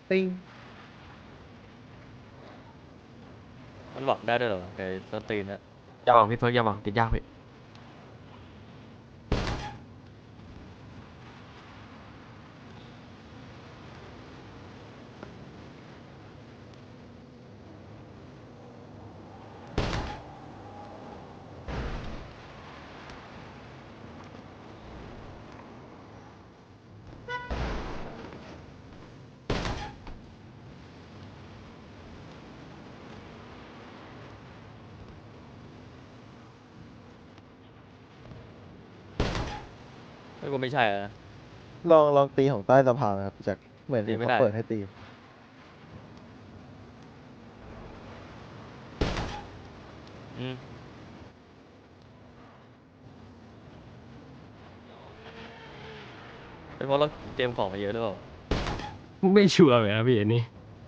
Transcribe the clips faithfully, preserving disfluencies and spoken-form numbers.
ติ้งมันหวังได้ด้วยเหรอไอ้สตรีนเนี่ยอย่าหวังพี่เฟิร์กอย่าหวังติดยากพี่ไม่กูไม่ใช่อะนะลองลองตีของใต้สะพานนะครับจากเหมือนตีไม่ได้เห็นเขาเปิดให้ตีอืมเป็นเพราะเราเตรียมของมาเยอะหรือเปล่าไม่ชัวร์เลยนะพี่อันนี้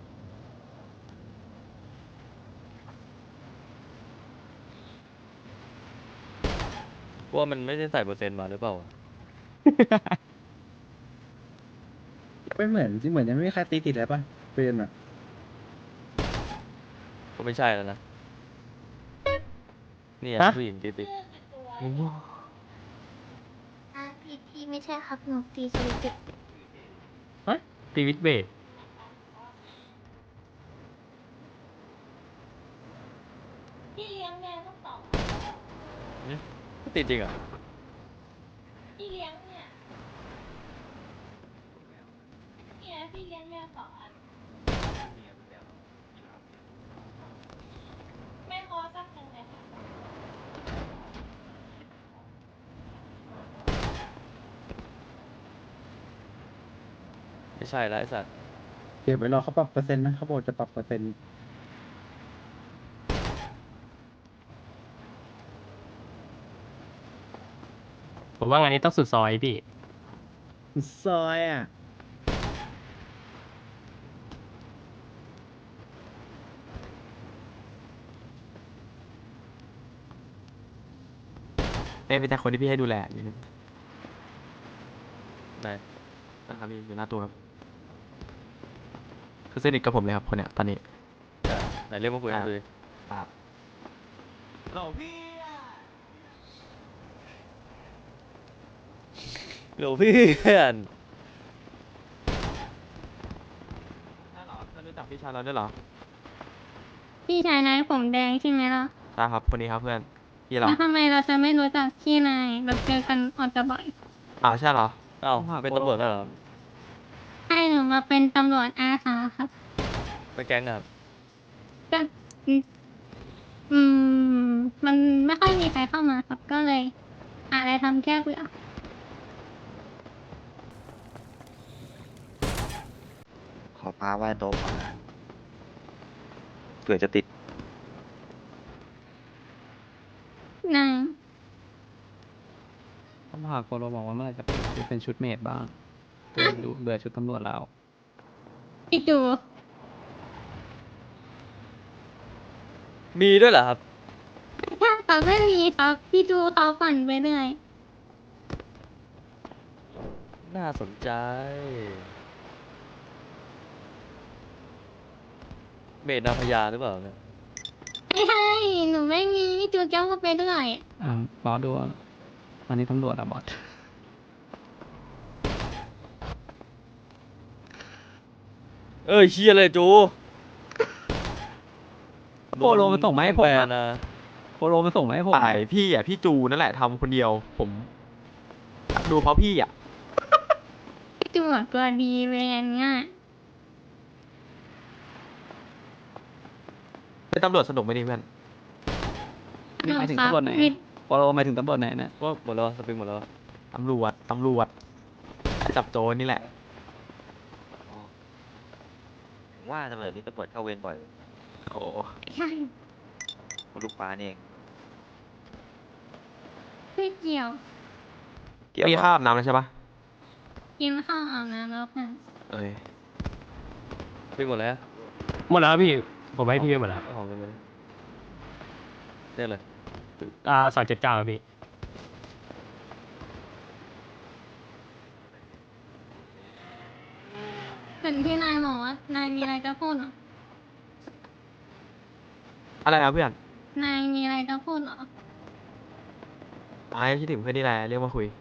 กูว่ามันไม่ได้ใส่เปอร์เซ็นต์มาหรือเปล่าไม่เหมือนที่เหมือนยังไม่มีใครตีติดเลยป่ะเป็นอ่ะก็ไม่ใช่แล้วนะเนี่ยฮะผู้หญิงติดติดโอ้โหอ่ะพี่พี่ไม่ใช่ครับหนูตีสวิตช์ตีวิทเบสพี่เลี้ยงแมวต้องตอบอืมติดจริงเหรอ่ะพี่เลี้ยงเนี่ยเนี่ยพี่เลี้ยงแมวสองอันไม่พอสักหนึ่งเลยค่ะไม่ใช่แล้วไอ้สัตว์เดี๋ยวไปรอเขาปรับเปอร์เซ็นต์นะเขาบอกจะปรับเปอร์เซ็นต์ผมว่างานนี้ต้องสุดซอยพี่ซอยอ่ะเนี่ยเป็นแต่คนที่พี่ให้ดูแลอยู่นี่ไหนนะครับพี่อยู่หน้าตัวครับคือสนิทกับผมเลยครับคนเนี้ยตอนนี้อ่ะไหนเรียกมาคุยกันดูดิครับเราพี่เดี๋ยวพี่เพื่อนใช่เหรอเพื่อนรู้จักพี่ชายเราด้วยเหรอพี่ชายนายผมแดงใช่ไหมล่ะใช่ครับคนนี้ครับเพื่อนพี่เหรอแล้วทำไมเราจะไม่รู้จักพี่นายเราเจอกันออกจะบ่อยอ้าวใช่เหรอเอ้าเป็นตำรวจแล้วเหรอให้หนูมาเป็นตำรวจอาสาครับเป็นแก๊งอะครับก็อืมอืมมันไม่ค่อยมีใครเข้ามาครับก็เลยอะไรทำแก้เบื่อขอพาไหว้โต๊ะก่อนนะเผื่อจะติดนายต้องพาโกโรบอกว่าเมื่อไหร่จะเปลี่ยนชุดเป็นชุดเมดบ้างเบื่อดูเบื่อชุดตำรวจแล้วอีกดูมีด้วยเหรอครับถ้าเขาไม่มีครับพี่ดูเขาฝันไปเรื่อยน่าสนใจ เมดนางพญาหรือเปล่าเนี่ยไม่ใช่หนูไม่มีพี่ดูแก้วเขาไปเรื่อยอ่าบอสดูตอนนี้ตำรวจอ่ะบอสเอ้ยเชียเลยจูโปโลมันส่งมาให้ผมแปลอะนะโปโลมันส่งมาให้ผมฝ่ายพี่อ่ะพี่จูนั่นแหละทำคนเดียว ผมดูเพราะพี่อ่ะพี่ดูแบบตัวดีเลยอันเนี้ยเป็นตำรวจสนุกไหมนี่เพื่อนนี่หมายถึงตำรวจไหนพี่โปโลหมายถึงตำรวจไหนเนี่ยว่าหมดแล้ววะสปริงหมดแล้ววะตำรวจตำรวจจับโจรนี่แหละผมว่าตำรวจนี่ตำรวจเข้าเวรบ่อยโอ้ใช่ลูกปลานี่เองพี่เกี่ยวเกี่ยวพี่กับข้าวอาบน้ำแล้วใช่ปะกินข้าวอาบน้ำแล้วค่ะเอ้ยสปริงหมดแล้วหมดแล้วพี่ ผมให้พี่ไปหมดแล้วเอาของกันไปเลยเรียกเลยอ่าสองเจ็ดเก้าพี่เห็นที่นายบอกว่านายมีอะไรจะพูดเหรออะไรนะเพื่อนนายมีอะไรจะพูดเหรอไอ้คิดถึงเพื่อนนี่แหละเรียกมาคุย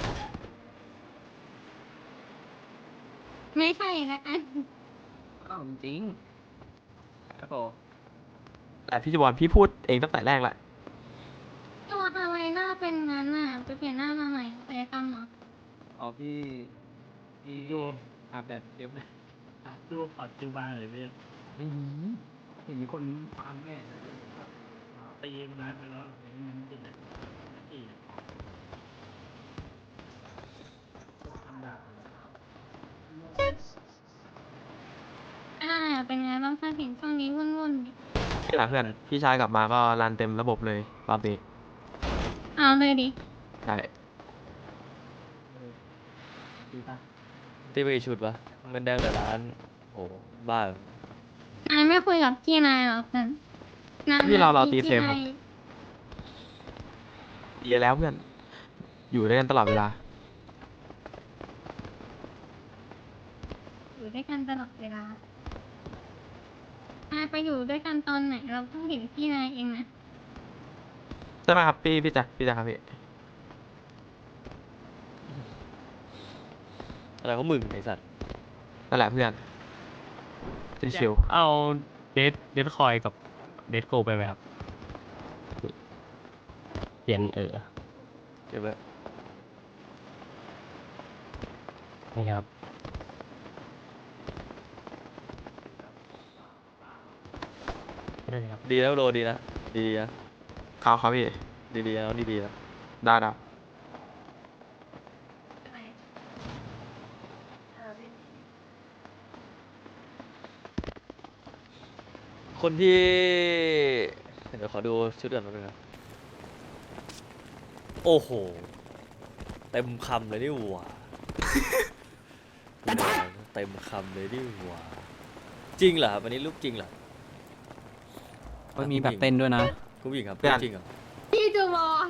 ไม่ใช่ละอันอ้าวจริงครับผมแต่พี่จบอลพี่พูดเองตั้งแต่แรกแหละตัวทำไมหน้าเป็นงั้นน่ะไปเปลี่ยนหน้ามาใหม่ไปกรรมเหรออ๋อพี่พี่อาบแดดเดี๋ยวนะดูปัจจุบันเลยพี่ไม่มีเห็นมีคนฟังแน่ตีมันนานไปแล้วมันติดเลยอีกทำได้อ่าเป็นไงบ้างคะเห็นช่วงนี้วุ่นวุ่นๆดินี่แหละเพื่อน พี่ชายกลับมาก็รันเต็มระบบเลยรอบนี้เอาเลยดิใช่ดีป่ะตีไปกี่ชุดวะเงินแดงแต่ล้านโอ้บ้าเหรอนายไม่คุยกับพี่นายหรอกเพื่อนนายพี่เราเราตีพี่เซมครับนายดีแล้วเพื่อน อยู่ด้วยกันตลอดเวลาอยู่ด้วยกันตลอดเวลานายไปอยู่ด้วยกันตอนไหนเราเพิ่งเห็นพี่นายเองนะใช่ไหมครับพี่พี่แจ็คพี่แจ็คครับพี่อะไรของมึงไอสัตว์นั่นแหละเพื่อนชิวเอาเดทเดทคอยกับเดทโกไปไหมครับเปลี่ยนเออเก็บไว้นี่ครับได้เลยครับดีนะโรดีนะดีๆนะๆเขาครับพี่ดีๆนะน้องดีๆนะได้ได้คนที่เดี๋ยวขอดูชุดก่อนแป๊บนึงนะโอ้โหเต็มคำเลยนี่หว่า เต็มคำเลยนี่หว่าจริงเหรอครับวันนี้รูปจริงเหรอก็มีแบบเต้นด้วยนะคุณผู้หญิงครับเพื่อนจริงเหรอพี่จูบอล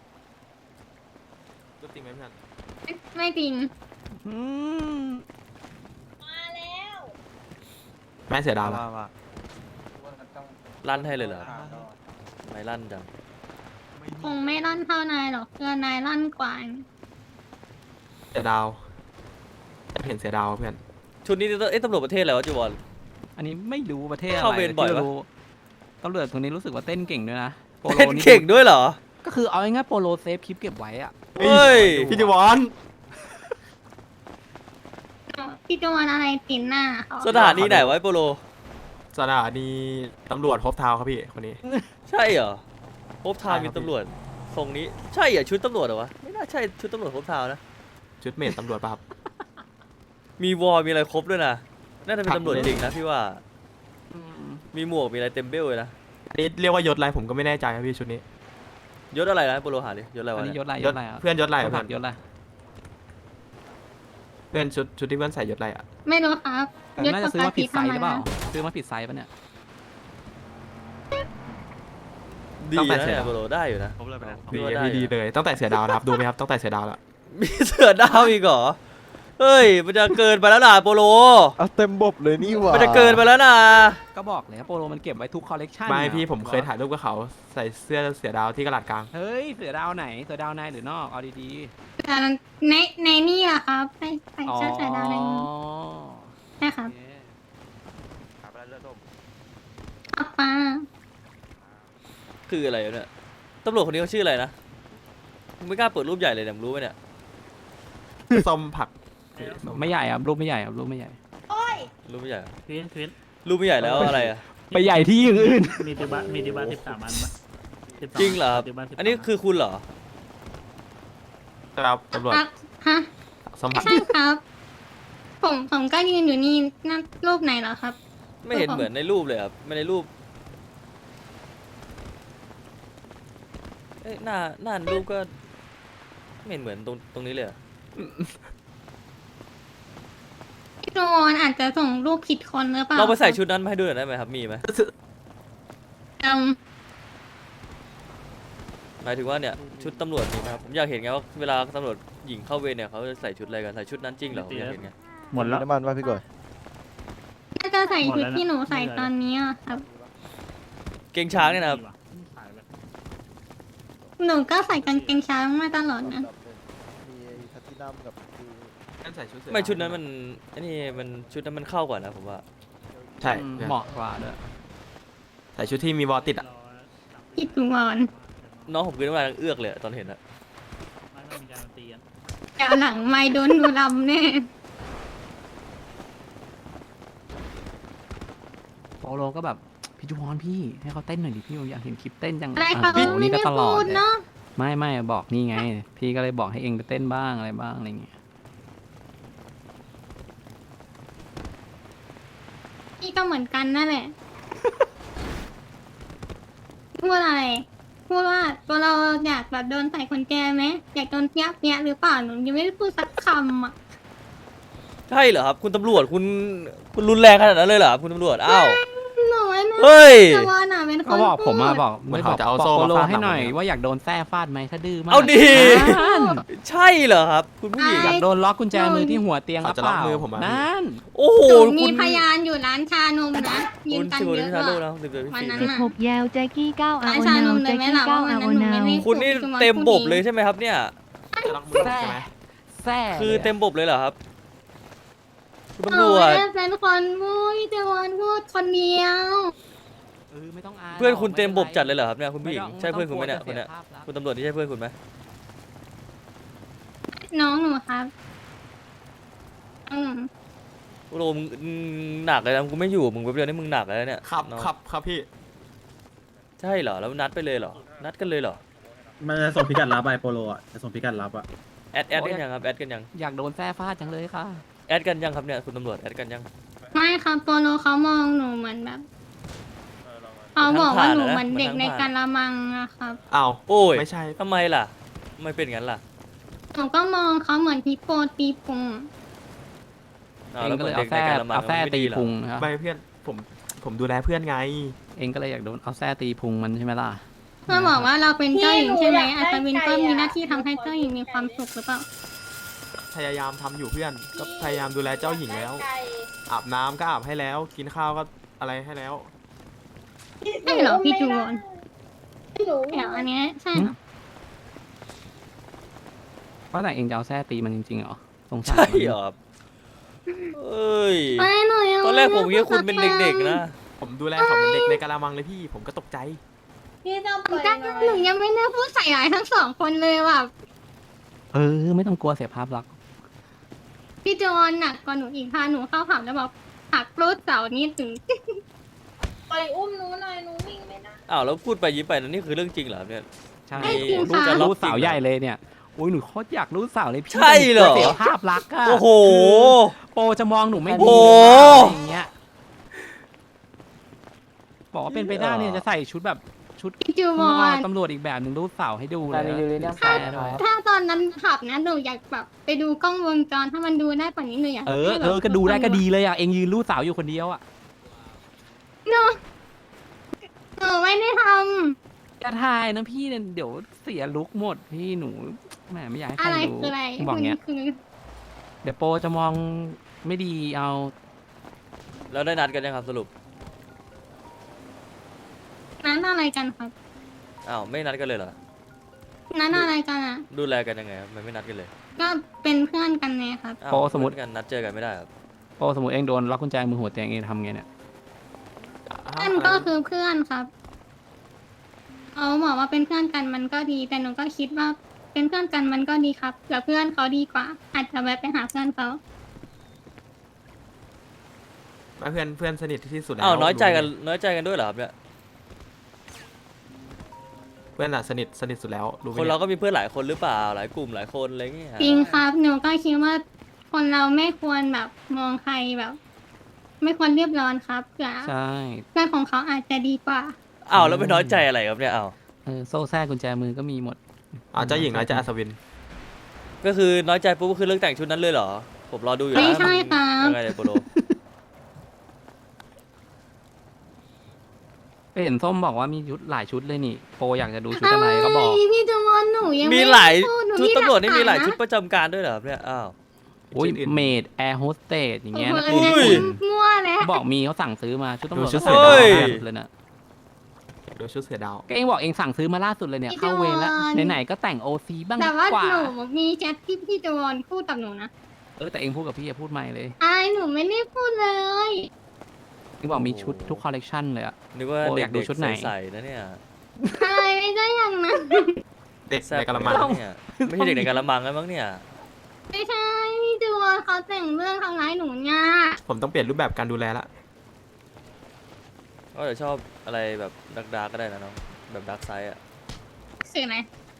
รูปจริงไหมเพื่อนไม่ไม่จริงแม่เสียดาวละลั่นให้เลยเหรอไม่ลั่นจังคงไม่ลั่นเท่านายหรอกเพื่อนนายลั่นกว่าเสียดาวจะเห็นเสียดาวเพื่อนชุดนี้เอ๊ะตำรวจประเทศอะไรวะจูบอลอันนี้ไม่รู้ประเทศอะไรเข้าเวรบ่อยปะที่รู้ตำรวจคนนี้รู้สึกว่าเต้นเก่งด้วยนะโปโลเล่นนี่เก่งด้วยเหรอก็คือเอาง่ายๆโปโลเซฟคลิปเก็บไว้อะเฮ้ยพี่จิวอนพี่จูบอลอะไรตินหน้าเขาสถานีไหนวะไอ้โปโลสถานีตำรวจพบเท้าครับพี่คนนี้ใช่เหรอพบทาวน์ใช่มีครับตำรวจทรงนี้ใช่เหรอชุดตำรวจเหรอวะไม่น่าใช่ชุดตำรวจพบทาวน์นะชุดเมดตำรวจป่ะครับมีวอลมีอะไรครบด้วยนะน่าจะเป็นครับตำรวจจริงนะพี่ว่ามีหมวกมีอะไรเต็มเบลเลยนะอันนี้เรียกว่ายศอะไรผมก็ไม่แน่ใจครับพี่ชุดนี้ยศอะไรนะโปโลหาดิยศอะไรอัวะนนี้เนี่ยยศอะไรยศอะไรอะเพื่อนยศอะไรคอะนเพื่ขัอบ นยศอะไรเพื่อนชุดชุดที่เพื่อนใส่ยศอะไรอ่ะไม่รู้ครับแต่น่าจะซื้อมาผิดไซส์หรือเปล่าซื้อมาผิดไซส์ปะเนี่ยดีตั้งแต่นะเสร็จเนี่ยโปโลได้อยู่นะดีพี่ว่าได้พี่ดีนะเลยตั้งแต่เสียดาวนะครับดูไหมครับตั้งแต่เสียดาวแล้วมีเสือดาวอีกเหรอเฮ้ยมันจะเกินไปแล้วนะโปโลเอาเต็มบบเลยนี่หว่ามันจะเกินไปแล้วนะก็บอกเลยว่าโปโลมันเก็บไว้ทุกคอลเลกชันไม่นี่พี่ผมเคยถ่ายรูปกับเขาใส่เสื้อเสียดาวที่กระดาษกลางเฮ้ยเสือดาวไหนเสือดาวในหรือนอกเอาดีแต่ในในนี่แหละครับใส่ใส่ๆอ๋อเสื้อใส่ดาวในนี้ใช่ครับโอเคอัปป้าคืออะไรวะเนี่ยตำรวจคนนี้เขาชื่ออะไรนะมึงไม่กล้าเปิดรูปใหญ่เลยเนี่ยมึงรู้ไหมเนี่ยส้มผักไม่ใหญ่อะรูปไม่ใหญ่อะรูปไม่ใหญ่รูปไม่ใหญ่เหรอควินควินรูปไม่ใหญ่แล้วอะไรอะไปใหญ่ที่อย่างอื่นมีติบัตมีติบัตสิบสามอันปะสิบสองจริงเหรอครับติบัตสิบสามอันนี้คือคุณเหรอครับตำรวจครับฮะส้มผักใช่ครับ ผมผมก็ยืนอยู่นี่นั่นรูปไหนเหรอครับไม่เห็นเหมือนในรูปเลยครับไม่ในรูปเอ้ยหน้าหน้าในรูปก็ไม่เห็นเหมือนตรงตรงนี้เลยอะพี่โจนอาจจะส่งรูปผิดคนหรือเปล่าเราไปใส่ชุดนั้นมาให้ดูหน่อยได้ไหมครับมีไหมเอิ่มหมายถึงว่าเนี่ยชุดตำรวจมีไหมครับผมอยากเห็นไงว่าเวลาตำรวจหญิงเข้าเวรเนี่ยเขาจะใส่ชุดอะไรกันใส่ชุดนั้นจริงเหรอผมอยากเห็นไงหมดแล้วน้ำมันป่ะพี่ก่อยใส่ชุดที่หนูใส่ตอนนี้อะครับเกงช้างเนี่ยนะครับขายแบบหนูก็ใส่กางเกงช้างมาตลอดนะมีแพลตตินัมกับคือนั่นใส่ชุดเสือไม่ชุดนั้นมันอันนี้มันชุดนั้นมันเข้ากว่านะผมว่าใช่อืมเหมาะกว่าด้วยใส่ชุดที่มีวอลติดอ่ะรอจับพี่จุวอนน้องผมกินน้ำลายเอื้อกเลยอะตอนเห็นอะไม่ต้องมีการตีกันแต่หลังไม่โดนหนูลำแน่โปโลก็แบบพี่จูวอนพี่ให้เขาเต้นหน่อยดิพี่ผมอยากเห็นคลิปเต้นจังอะไรอ่ะเขาโอ้โหไม่นี่ก็ได้ตลอพูดดเลยเนาะไม่ไม่บอกนี่ไง พี่ก็เลยบอกให้เองไปเต้นบ้างอะไรบ้างอะไรเงี้ยพี่ก็เหมือนกันนั่นแหละ พูดอะไร พูดว่าตัวเราอยากแบบโดนใส่คนแก่ไหมอยากโดนเนี้ยเนี้ยหรือเปล่าหนูยังไม่ได้พูดสักคำอ่ะใช่เหรอครับคุณตำรวจคุณคุณรุนแรงขนาดนั้นเลยเหรอครับคุณตำรวจอ้าวหนูไม่รู้เฮ้ยจุวอนอ่ะเป็นคนก็บอกผมมาพูดบอกเหมือนไม่บอกเขาจะเอาบอกโซ่โปมาโลฟาดให้หน่อยหลังว่าอยากโดนแส้ฟาดไหมถ้าดื้อมากเอาดินั่นใช่เหรอครับคุณผู้หญิงอยากโดนล็อกกุญแจมือที่หัวเตียงหเขารือจะเปล็อกล่ามือผมอะนั่นโอ้โหหนูมีคุณพยานอยู่ร้านชานมนะยืคุนณกันสิบเยวิอะชาโลกอะนะสิบวิวันชานั้นโลกน่ะหกยาวแจ็คกี้เก้าเอาร้านเอาชานนามเลแจ็ยคไหมกี้ล่ะเก้าว่าเอาวันนั้นหนูนาไม่วได้คุณนี่พูดเต็มบบเลยใช่ใช่ไหมครับเนี่ยจะล็อกมือผมใช่ไหมแซ่คือเต็มบบเลยเหรอครับคุณหตำรนูวไม่จได้เป็นคนพูดพี่เจวอนพูดคนเดียวเออไม่ต้องอายเพื่อนคุณหรกเต็มบบไป็นไรจัดเลยเหรอครับเนี่ยคุณผู้หญิงไม่ต้องใช่เพื่อนคุณไหมเนี่ยต้คองนเนี้ยกลัวจะเสียภาพลักษณ์คุณตำรวจนี่ใช่เพื่อนคุณไหมน้องหนูครับอืมโอ้โหมึงมึงหนักเลยนะกูไม่อยู่มึงแป๊บเดียวนี่มึงหนักเลยนะเนี่ยครับน้องครับครับพี่ใช่เหรอแล้วนัดไปเลยเหรอนัดกันเลยเหรอมันจะส่งพิกัดลับไปโปโลอ่ะจะส่งพิกัดลับอ่ะแอดแอดกันยังครับแอดกันยังอยากโดนแซ่ฟาดจังเลยค่ะแอดกันยังครับเนี่ยคุณตำรวจแอดกันยังไม่ครับโปโลเขามองหนูเหมือนแบบเขาบอกว่าหนูเหมือนเด็กในการละมังอะครับอ้าวโอ้ยไม่ใช่ทำไมล่ะทำไมเป็นงั้นล่ะหนูก็มองเขาเหมือนฮิปโปตีพุงอ้าวเองแล้วก็เหมืเลอนยเด็เอากในแส้การละมังเอาแส้มันไม่ตีดีเหรอพุงนะครับไม่เพื่อนผมผมดูแลเพื่อนไงเองก็เลยอยากโดนเอาแส้ตีพุงมันใช่ไหมล่ะเพื่อบอกว่าเราเป็นเจ้าหญิงใช่ไหมอัศวินก็มีหน้าที่ทำให้เจ้าหญิงมีความสุขหรือเปล่าพยายามทำอยู่เพื่อนก็พยายามดูแลเจ้าหญิงแล้ว อาบน้ำก็อาบให้แล้ว กินข้าวก็อะไรให้แล้วใช่เหรอพี่จูวอนไม่รู้เดี๋ยวอันเนี้ยใช่เหรอว่าแต่เองจะเอาแส้ตีมันจริงๆเหรอสงสารใช่มันเหรอครับเอ้ยไม่หนูยังตอนแรกผมคิดว่าคุณเป็นเด็กๆนะผมดูแลเขาเหมือนเด็กในกะละมังเลยพี่ ผมก็ตกใจพี่จะปล่อยหนูยังไม่ได้พูดใส่ร้ายทั้งสองคนเลยว่ะเออ ไม่ต้องกลัวเสียภาพลักษณ์พี่จูวอนหนักกว่าหนูอีกพาหนูเข้าผับแล้วบอกหักรูดเสานี่ถึงปล่อยอุ้มหนูหน่อยหนูวิ่งไม่ได้อ้าวแล้วพูดไปยิ้มไปนั่นนี่คือเรื่องจริงเหรอครับเนี่ยใช่ไม่จริงรู้ค่ะจะรู้สาวใหญ่เลยเนี่ยโอ้ยหนูโคตรอยากรู้สาวเลยพี่ใช่เหรอเสียภาพลักษณ์อะโอ้โหโปจะมองหนูไม่โอ้ดีโหอะไรอย่างเงี้ยบอกว่าเป็นไปได้เนี่ยจะใส่ชุดแบบชุดพี่จูวอนตำรวจอีกแบบหนึ่งรู้สาวให้ดูเลยอะถ้าถ้าตอนนั้นผับนะหนูอยากแบบไปดูกล้องวงจรถ้ามันดูได้ป่านนี้หนูอยากเออเออก็ดูได้ก็ดีเลยอ่ะเองยืนรู้สาวอยู่คนเดียวอ่ะหนูหนูไม่ได้ทอย่าถ่ายนะพี่เดี๋ยวเสียลุกหมดพี่หนูแหมไม่อยากให้ำใคอะรไรรู้คืออะไรบอกเงี้ยคือเดี๋ยวโปจะมองไม่ดีเอาแล้วได้นัดกันยังครับสรุปนั้นอะไรกันครับอ้าวไม่นัดกันเลยเหรอนั้นอะไรกันอ่ะดูแลกันยังไงครับมันไม่นัดกันเลยก็เป็นเพื่อนกันไงครับอ้าวโปสมมติเพื่อนกันนัดเจอกันไม่ได้ครับโปสมมติเองโดนล็อกกุญแจมือหัวเตียงเองทำไงเนี่ยเพื่อนก็คือเพื่อนครับเขาบอกว่าเป็นเพื่อนกันมันก็ดี แต่หนูก็คิดว่าเป็นเพื่อนกันมันก็ดีครับเผื่อเพื่อนเขาดีกว่า อาจจะแวะไปหาเพื่อนเขาไม่เพื่อนเพื่อนสนิทที่สุดแล้วอ้าวน้อยใจกันรู้ไหมน้อยใจกันด้วยเหรอครับเนี่ยเพื่อนอะสนิทสนิทสุดแล้วรู้ไหมคนนี่ยเราก็มีเพื่อนหลายคนหรือเปล่าหลายกลุ่มหลายคนอะไรเงี้ยจริงครับหนูก็คิดว่าคนเราไม่ควรแบบมองใครแบบ ไม่ควรเรียบร้อนครับเผื่อใช่เพื่อนของเขาอาจจะดีกว่าอ้าวแล้วไปน้อยใจอะไรครับเนี่ยอ้าวเออโซ่แทรกกุญแจมือก็มีหมดอ่าเจ้าหญิงน้อยใจอัศวินก็คือน้อยใจปุ๊บก็คือเรื่องแต่งชุดนั้นเลยเหรอผมรอดูอยู่นะไม่ใช่ครับยังไงเนี่ยโปโลไปเห็นส้มบอกว่ามีชุดหลายชุดเลยนี่โปอยากจะดูชุดอะไรก็บอกทำไมพี่จะวอนหนูยังมีไได้หลายพูหชุดตำรวจนี่มีหลายกฐนชุดนะประจำการด้วยเหรอครับเนี่ยอ้าวโอ้ยชุดอื่นเมดแอร์โฮสเตสอย่างเงี้ยนะโอ้โหอุ้ยมั่วแล้วเขาบอกมีเขาสั่งซื้อมาชุดตำรวจดูชุดก็เสืสั่อง ดาวมาล่าสุดเลยนะโดยชุดเสือดาวก็เองบอกเองสั่งซื้อมาล่าสุดเลยเนี่ยเข้าเวรแล้วไหนๆก็แต่งโอซีบ้างแต่ดีว่ากว่าหนูมีแชทที่พี่จวอนพูดกับหนูนะเออแต่เองพูดกับพี่อย่าพูดไม่เลยอะไรหนูไม่ได้พูดเลยเองบอกมีชุดทุกคอลเลกชันเลยอะนึกว่าโอ้เด็อยากดูกชุดๆไหนใส่ๆนะเนี่ยอะไรไม่ได้อย่างนั้นเด็กแซ่บในกระมังเลยนะเนี่ยไม่ใช่เด็กในกะละมังแล้วมั้งเนี่ยไม่ใช่พี่จวอนเขาแต่งเรื่องทำร้ายหนูเนี่ยผมต้องเปลี่ยนรูปแบบการดูแลละก็จะชอบอะไรแบบดักดาร์กก็ได้นะน้องแบบดาร์กไซด์อ่ะสื่อไหน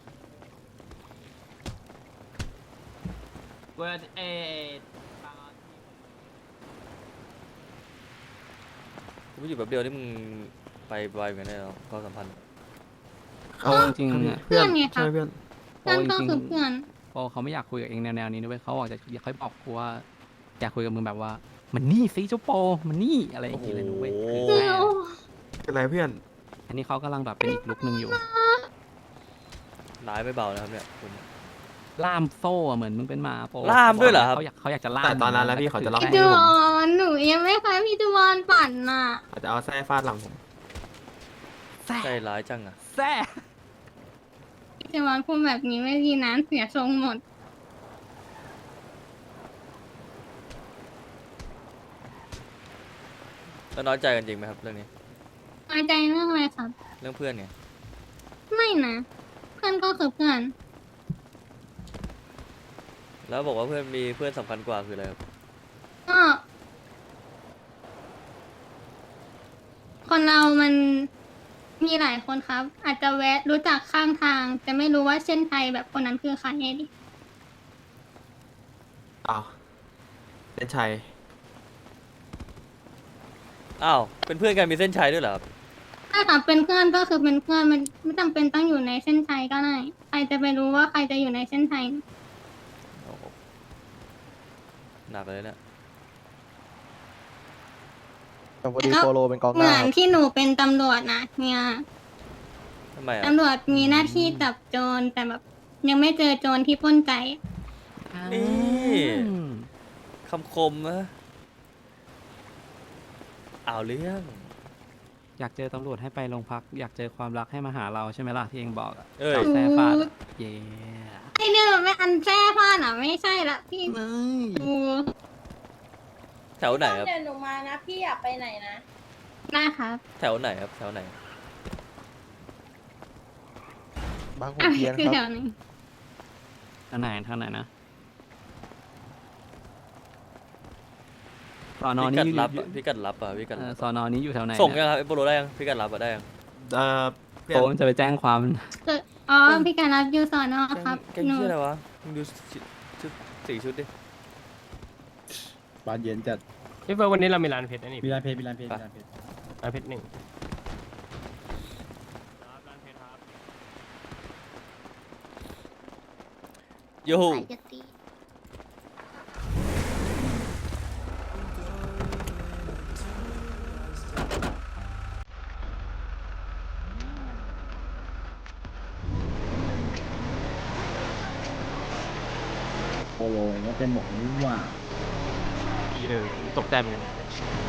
เวิร์ดเอกูอยู่แบบเดียวนี่มึงไปไวเหมือนกันเนี่ยเนาะความสัมพันธ์เอาจริงๆอะเพื่อนใช่เพื่อนเพื่อนก็คือเพื่อนพอเขาไม่อยากคุยกับเองแนวๆนี้ด้วยเขาบอกจะอยากค่อยบอกกูว่าอยากคุยกับมึงแบบว่า มันนี่ซิเจ้าโปมันนี่อะไรอย่างเงี้ยเลยนุ้ยโอ้คือโหแม่เป็นไรเพื่อนอันนี้เขากำลังแบบเป็นอีกลุกหนึ่งอยู่ร้ายไม่เบานะครับเนี่ยคุณล่ามโซ่อะเหมือนมึงเป็นหมาโปล่ามด้วยเหรอครับเขาอยากเขาอยากจะล่ามแต่ตอนนั้นแล้วพี่เขาจะล่าพี่จวอนหนูยังไม่เคยพี่จวอนปั่นน่ะอาจจะเอาแส้ฟาดหลังผมแซ่ใจร้ายจังอ่ะแซ่พี่จวอนพูดแบบนี้ไม่ดีนะเสียทรงหมดแล้วน้อยใจกันจริงไหมครับเรื่องนี้น้อยใจเรื่องอะไรครับเรื่องเพื่อนไงไม่นะ เพื่อนก็คือเพื่อนแล้วบอกว่าเพื่อนมีเพื่อนสำคัญกว่าคืออะไรครับก็คนเรามันมีหลายคนครับ อาจจะแวะรู้จักข้างทาง แต่ไม่รู้ว่าเส้นชัยแบบคนนั้นคือใครไงดิอ้าวเล่นชัยอ้าวเป็นเพื่อนกันมีเส้นชัยด้วยเหรอครับถ้าถามเป็นเพื่อนก็คือเป็นเพื่อนมันไม่จำเป็นต้องอยู่ในเส้นชัยก็ได้ใครจะไปรู้ว่าใครจะอยู่ในเส้นชัยโอ้โหหนักเลยเนี่ยแต่พอดีโปโลเป็นกองหเหมืน้าอนครับที่หนูเป็นตำรวจนะเนี่ยทำไมอ่ะตำรวจมีหน้าที่จับโจรแต่แบบยังไม่เจอโจรที่ปล้นใจนี่อืมคำคมนะเอาเรื่องอยากเจอตำรวจให้ไปโรงพัก อยากเจอความรักให้มาหาเราใช่ไหมล่ะที่เองบอกอะเอ้ยจับแซ่ฟาดอะเย้ไอเนี่ยไม่อันแท้ผ้าน่ะไม่ใช่ละพี่ดูแถวไหนครับเดี๋ยวหนูมานะ พี่อยากไปไหนนะนะครับแถวไหนครับแถวไหนบางขุอ่ะนเทียนคือคแถรับวนี้ทางไหนทางไหนนะสอนอพินี้กัดอยู่ลับอะพิกัดลับอ่ะพิกัดเอ่ลัอบ สอนอนี้อยู่แถวไหนส่งยังครับไอโปโลได้ยังพิกัดลับอะได้ยังเอ่อเพื่อนโตมันจะไปแจ้งความคืออ๋อพี่การรับยูสอนอครับแกงหนูชื่ออะไรวะมึงดูชุดชุดสี่ชุดดิบานเย็นจัดพี่เฟิร์สวันนี้เรามีร้านเพชรนะนี่มีร้านเพชรมีร้านเพชรมีร้านเพชรร้านเพชรหนึ่งโยใส่จะตีโปโลก็เป็นหมกนี่หว่าเออตกใจเหมือนกัน